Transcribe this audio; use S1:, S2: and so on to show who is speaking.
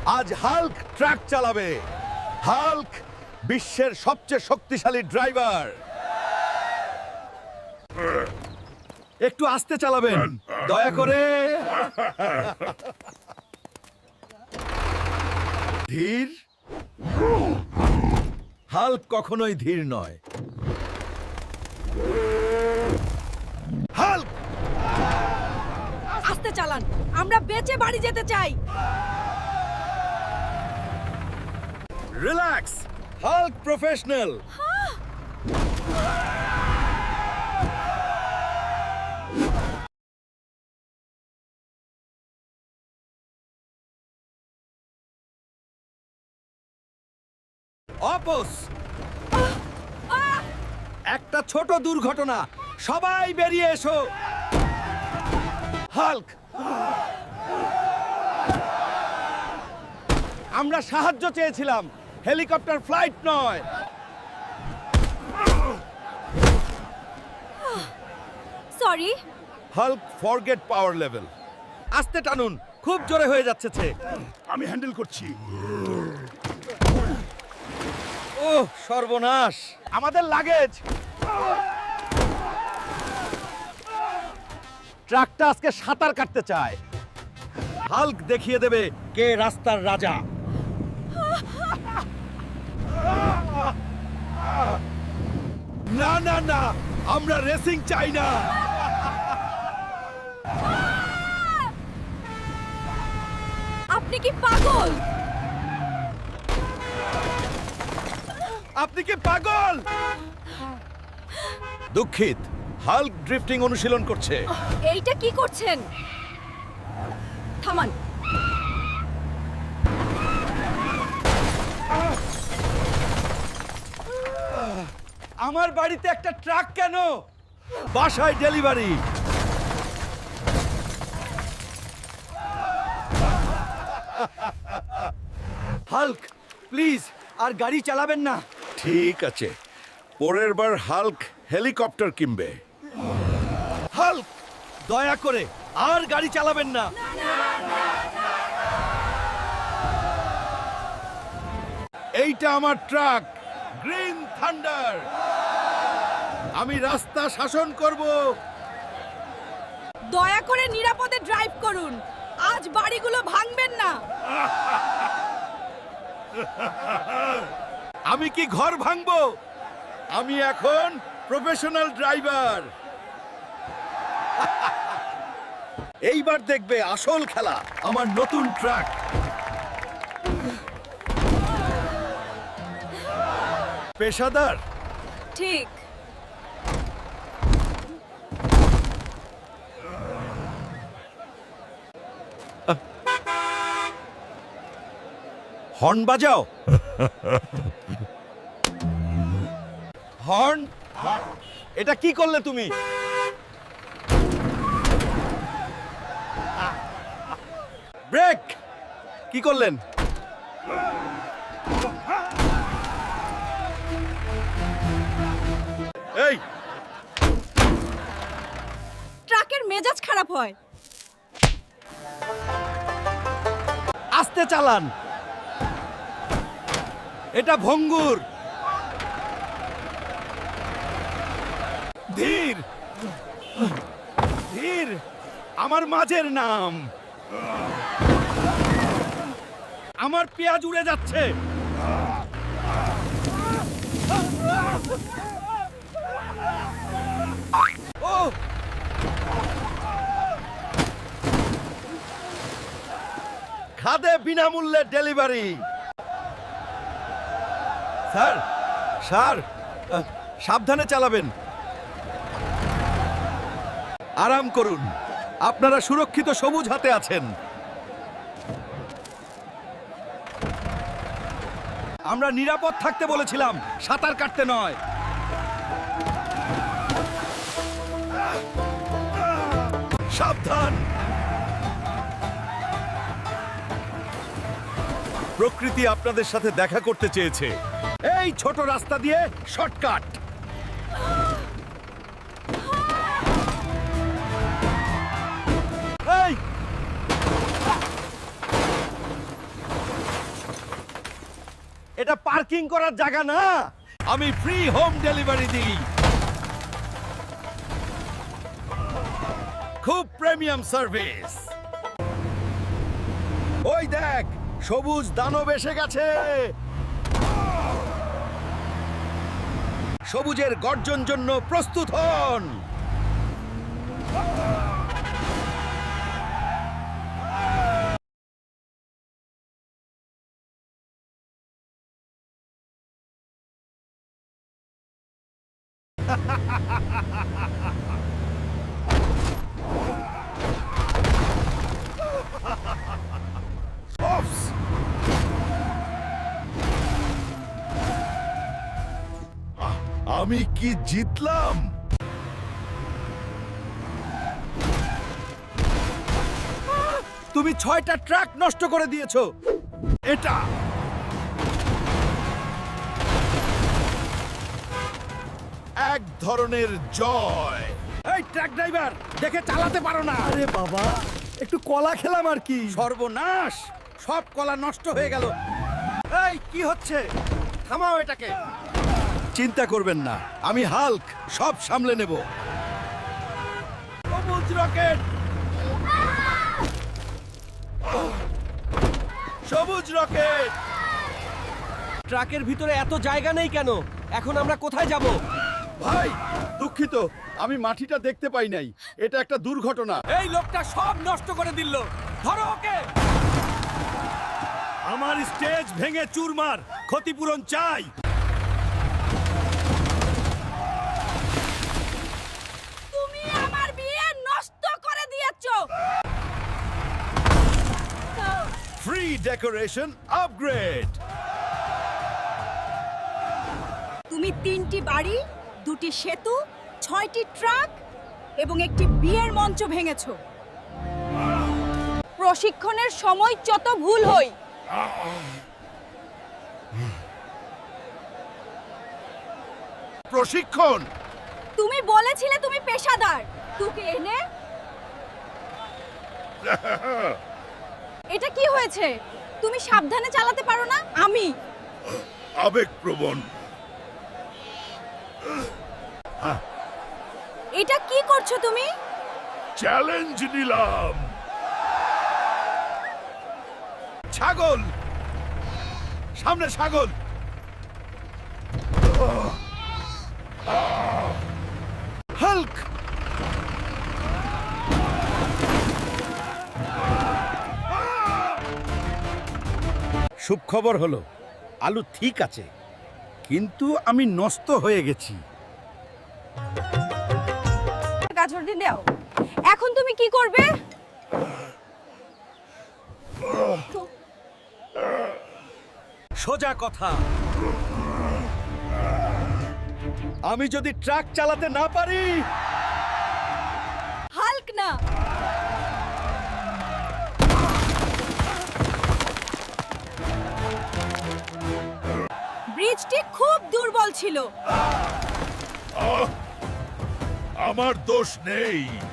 S1: আজ Hulk truck চালাবে। Hulk বিশ্বের সবচেয়ে শক্তিশালী ড্রাইভার। একটু আস্তে চালাবেন দয়া করে। ধীর। হাল্ক কখনোই ধীর নয়। হাল্ক
S2: আস্তে চালান, আমরা বেঁচে বাড়ি যেতে চাই।
S1: রিল্যাক্স। Hulk professional. অপস, একটা ছোট দুর্ঘটনা, সবাই বেরিয়ে এসো। হাল্ক, আমরা সাহায্য চেয়েছিলাম, হেলিকপ্টার ফ্লাইট নয়।
S2: Sorry.
S1: Hulk forget power level. আস্তে টানুন, খুব জোরে হয়ে যাচ্ছে।
S3: আমি হ্যান্ডেল করছি।
S1: ওহ সর্বনাশ, আমাদের লাগেজ। ট্রাকটা আজকে সাঁতার কাটতে চায়। হাল্ক দেখিয়ে দেবে কে রাস্তার রাজা। না না না, আমরা রেসিং চাই না।
S2: আপনি কি পাগল?
S1: আপনি কি পাগল? দুঃখিত, হাল্ক ড্রিফটিং অনুশীলন করছে।
S2: এইটা কি করছেন? থামান।
S1: আমার বাড়িতে একটা ট্রাক কেন? বাসায় ডেলিভারি। হাল্ক প্লিজ আর গাড়ি চালাবেন না। ঠিক আছে, পরের বার হাল্ক হেলিকপ্টার কিনবে। হাল্ক দয়া করে আর গাড়ি চালাবেন না। এইটা আমার ট্রাক, গ্রিন থান্ডার। আমি রাস্তা শাসন করব।
S2: দয়া করে নিরাপদে ড্রাইভ করুন, আজ বাড়িগুলো ভাঙবেন না।
S1: আমি কি ঘর ভাঙবো? আমি এখন প্রফেশনাল ড্রাইভার। এইবার দেখবে আসল খেলা, আমার নতুন ট্রাক। পেশাদার।
S2: ঠিক।
S1: হর্ন বাজাও। হর্ন? এটা কি করলে তুমি? ব্রেক কি করলেন? এই
S2: ট্রাকের মেজাজ খারাপ হয়।
S1: আস্তে চালান, এটা ভঙ্গুর। ধীর ধীর, আমার মাঝের নাম। আমার পেঁয়াজ উড়ে যাচ্ছে। ও খাদে বিনামূল্যে ডেলিভারি। স্যার স্যার, সাবধানে চালাবেন। আরাম করুন, আপনারা সুরক্ষিত সবুজ হাতে আছেন। আমরা নিরাপদ থাকতে বলেছিলাম, সাঁতার কাটতে নয়। সাবধান। প্রকৃতি আপনাদের সাথে দেখা করতে চেয়েছে। এই ছোট রাস্তা দিয়ে শর্টকাট। এই এটা পার্কিং করার জায়গা না। আমি ফ্রি হোম ডেলিভারি দিই। খুব প্রিমিয়াম সার্ভিস। ওই দেখ, সবুজ দানব এসে গেছে। সবুজের গর্জন জন্য প্রস্তুত হন। Ops! আমি কি জিতলাম? তুমি 6টা ট্রাক নষ্ট করে দিয়েছো। এটা এক ধরনের জয়। এই ট্রাক ড্রাইভার, দেখে চালাতে পারো না? আরে বাবা, একটু কলা খেলাম আর কি। সর্বনাশ, সব কলা নষ্ট হয়ে গেল। এই কি হচ্ছে? থামাও এটাকে। চিন্তা করবেন না, আমি হাল্ক, সব সামলে নেব। সবুজ রকেট, সবুজ রকেট।
S3: ট্রাকের ভিতরে এত জায়গা নেই কেন? এখন আমরা কোথায় যাব?
S1: ভাই দুঃখিত, আমি মাটিটা দেখতে পাই নাই। এটা একটা দুর্ঘটনা।
S3: এই লোকটা সব নষ্ট করে দিল। ধরো ওকে।
S1: আমার স্টেজ ভেঙে চুরমার, ক্ষতিপূরণ চাই।
S2: তুমি আমার বিয়ে নষ্ট করে দিয়েছো।
S1: Free decoration upgrade.
S2: তুমি 3টি বাড়ি, 2টি সেতু, 6টি ট্রাক এবং একটি বিয়ের মঞ্চ ভেঙেছো। প্রশিক্ষণের সময় যত ভুল হই।
S1: প্রশিক্ষণ?
S2: তুমি বলেছিলে তুমি পেশাদার। তোকে এনে এটা কি হয়েছে? তুমি সাবধানে চালাতে পারো না? আমি
S1: আবেগপ্রবণ।
S2: এটা কি করছো তুমি?
S1: চ্যালেঞ্জ নিলাম। ছাগল, সামনে ছাগল। হাল্ক, সুখবর হলো আলু ঠিক আছে, কিন্তু আমি নষ্ট হয়ে গেছি।
S2: গাজর দিয়ে দাও। এখন তুমি কি করবে?
S1: সোজা কথা, আমি যদি ট্রাক চালাতে না পারি।
S2: হাল্ক না, ব্রিজটি খুব দুর্বল ছিল।
S1: আমার দোষ নেই।